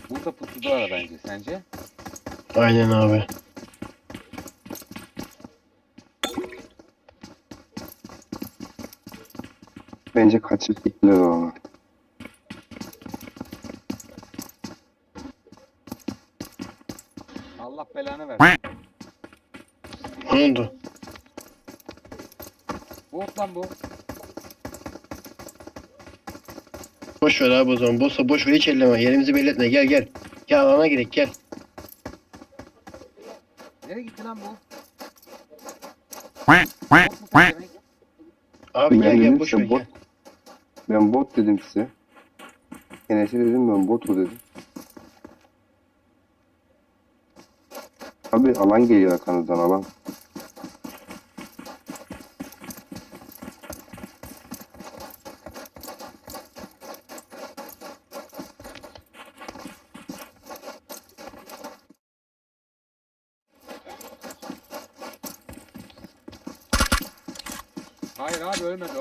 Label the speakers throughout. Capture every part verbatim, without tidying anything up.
Speaker 1: Burada pusudalar bence. Sence?
Speaker 2: Aynen abi.
Speaker 3: Bence kaçıp gittiler ona.
Speaker 1: Allah belanı versin.
Speaker 2: Ne oldu?
Speaker 1: Bot lan bu.
Speaker 2: Boş ver abi o zaman. Boşsa boş ver, hiç elleme. Yerimizi belli etme. Gel gel. Gel alana girek gel.
Speaker 1: Nereye gitti lan bu? Bot mu demek?
Speaker 2: Abi
Speaker 3: Ben
Speaker 2: gel gel
Speaker 3: dedim
Speaker 2: boş
Speaker 3: size
Speaker 2: ver
Speaker 3: bot.
Speaker 2: gel.
Speaker 3: Ben bot dedim size. Enes'e dedim ben botu dedim. Abi alan geliyor arkanızdan alan.
Speaker 1: Hayır abi ölmedi o.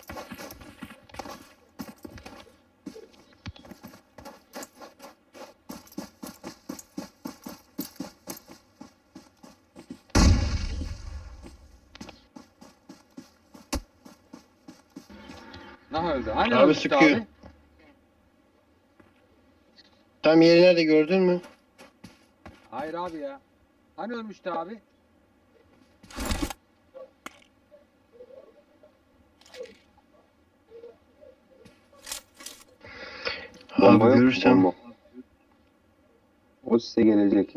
Speaker 1: Nah öldü. Hani
Speaker 2: Abi
Speaker 1: ölmüştü
Speaker 2: sıkıyor.
Speaker 1: abi?
Speaker 2: Tam yeri nerede gördün mü?
Speaker 1: Hayır abi ya. Hani ölmüştü abi?
Speaker 3: Bomba
Speaker 2: Abi
Speaker 3: yok mu?
Speaker 2: görürsem.
Speaker 3: Bomba. O size gelecek.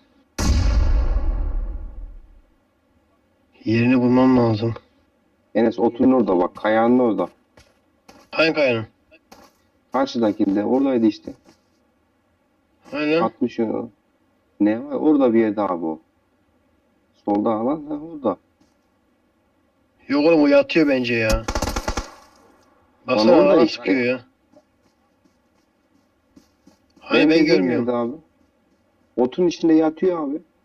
Speaker 2: Yerini bulmam lazım.
Speaker 3: Enes otun orada bak. Kayağının orada.
Speaker 2: Hangi kayanın?
Speaker 3: Karşıdakinde oradaydı işte.
Speaker 2: Aynen.
Speaker 3: altmış euro. Ne var? Orada bir yerde abi o. Solda alan ha orada.
Speaker 2: Yok oğlum, o yatıyor bence ya. Baksana
Speaker 3: orada
Speaker 2: alana
Speaker 3: işte.
Speaker 2: sıkıyor ya. Hani
Speaker 3: Benim
Speaker 2: ben
Speaker 3: dediğim
Speaker 2: görmüyorum.
Speaker 3: yerde abi. Otun içinde yatıyor abi.